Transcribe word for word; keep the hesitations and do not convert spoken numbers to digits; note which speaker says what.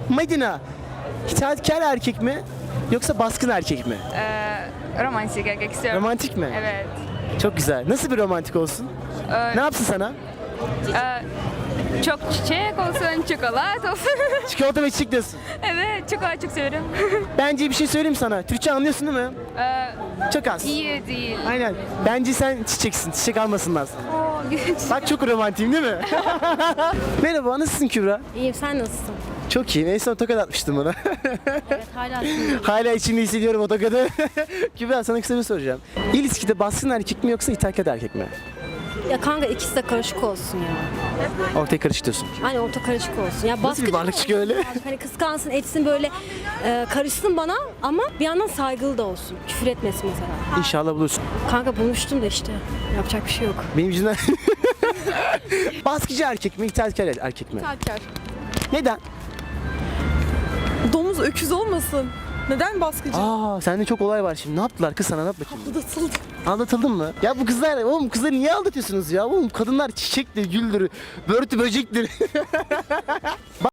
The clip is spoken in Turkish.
Speaker 1: Medina, itaatkar erkek mi yoksa baskın erkek mi?
Speaker 2: Ee, romantik erkek istiyorum.
Speaker 1: Romantik mi?
Speaker 2: Evet.
Speaker 1: Çok güzel. Nasıl bir romantik olsun?
Speaker 2: Ee,
Speaker 1: Ne yapsın sana?
Speaker 2: e, çok çiçek olsun, çikolata olsun.
Speaker 1: Çikolata ve çiçek diyorsun.
Speaker 2: Evet, çikolata çok severim.
Speaker 1: Bence bir şey söyleyeyim sana. Türkçe anlıyorsun değil mi?
Speaker 2: Ee,
Speaker 1: Çok az.
Speaker 2: iyi değil.
Speaker 1: Aynen. Bence sen çiçeksin. Çiçek almasınlar sana.
Speaker 2: Oo,
Speaker 1: Bak çok romantiyim değil mi? Merhaba, nasılsın Kübra?
Speaker 3: İyiyim, sen nasılsın?
Speaker 1: Çok iyi. En son tokat atmıştım bana.
Speaker 3: Evet, hala sinirliyim.
Speaker 1: Hala içimde hissediyorum o tokadı. Kübra, sana kısa bir soru soracağım. İlişkide baskın erkek mi yoksa itaatkar erkek mi?
Speaker 3: Ya kanka ikisi de karışık olsun ya.
Speaker 1: Ortaya karışık diyorsun.
Speaker 3: Hani orta karışık olsun. Ya
Speaker 1: Nasıl bir
Speaker 3: baskıcı
Speaker 1: varlık
Speaker 3: olsun
Speaker 1: çıkıyor öyle?
Speaker 3: birazcık. Hani kıskansın, etsin böyle e, karışsın bana ama bir yandan saygılı da olsun. Küfür etmesin mesela.
Speaker 1: İnşallah bulursun.
Speaker 3: Kanka bulmuştum da işte. Yapacak bir şey yok.
Speaker 1: Benim yüzümden... Baskıcı erkek mi, itaatkar erkek mi?
Speaker 4: İtaatkar.
Speaker 1: Neden?
Speaker 4: Domuz öküz olmasın. Neden baskıcı?
Speaker 1: Aa, sende çok olay var şimdi. Ne yaptılar kız sana? Anlat bakayım.
Speaker 4: Aldatıldı.
Speaker 1: Aldatıldın mı? Ya bu kızlar, oğlum kızları niye aldatıyorsunuz ya? Oğlum kadınlar çiçektir, güldür, börtü böcektir.